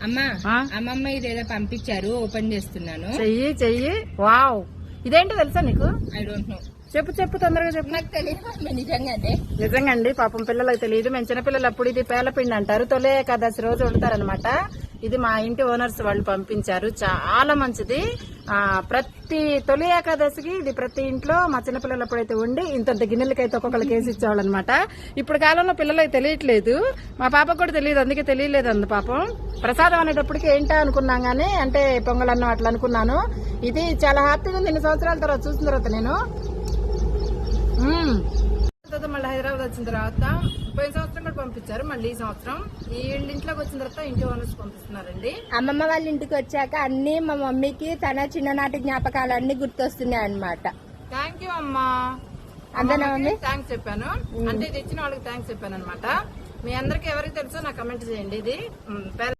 అమ్మా అమ్మమ్మ ఇదేదో పంపించారు, ఓపెన్ చేస్తున్నాను. చెయ్యి. వావ్, ఇదేంటో తెలుసా నీకు? I don't know. చెప్పు తొందరగా చెప్పు. నాకు తెలియదు నిజంగా అండి, పాపం పిల్లలకు తెలియదు. మేము చిన్నపిల్లలు అప్పుడు ఇది పేలపిండి అంటారు, తొలి ఏకాదశి రోజు వండుతారనమాట. ఇది మా ఇంటి ఓనర్స్ వాళ్ళు పంపించారు, చాలా మంచిది. ప్రతి తొలి ఏకాదశికి ఇది ప్రతి ఇంట్లో మా చిన్నపిల్లలు అప్పుడైతే వండి ఇంత గిన్నెలకైతే ఒక్కొక్కరు కేసు ఇచ్చేవాళ్ళు అనమాట. ఇప్పుడు కాలంలో పిల్లలకి తెలియట్లేదు, మా పాపకు కూడా తెలియదు, అందుకే తెలియలేదు అందు పాపం. ప్రసాదం అనేటప్పటికి ఏంటా అనుకున్నాం గానీ, అంటే పొంగల్ అన్నం అట్లా అనుకున్నాను. ఇది చాలా హ్యాపీగా ఉంది. 2 సంవత్సరాల తర్వాత చూసిన తర్వాత నేను మళ్ళీ హైదరాబాద్ వచ్చిన తర్వాత పోయిన సంవత్సరం కూడా పంపించారు, మళ్ళీ ఈ సంవత్సరం ఈ ఇంట్లోకి వచ్చిన తర్వాత ఇంటి ఓనర్స్ పంపిస్తున్నారండి. అమ్మమ్మ వాళ్ళ ఇంటికి వచ్చాక అన్ని మా మమ్మీకి తన చిన్ననాటి జ్ఞాపకాలన్నీ గుర్తొస్తున్నాయి అన్నమాట. థ్యాంక్ యూ అమ్మా. అంతేనా మమ్మీ? థ్యాంక్స్ చెప్పాను, అంటే ఇది ఇచ్చిన వాళ్ళకి థ్యాంక్స్ చెప్పాను అనమాట. మీ అందరికి ఎవరికి తెలుసో నాకు కమెంట్ చేయండి. ఇది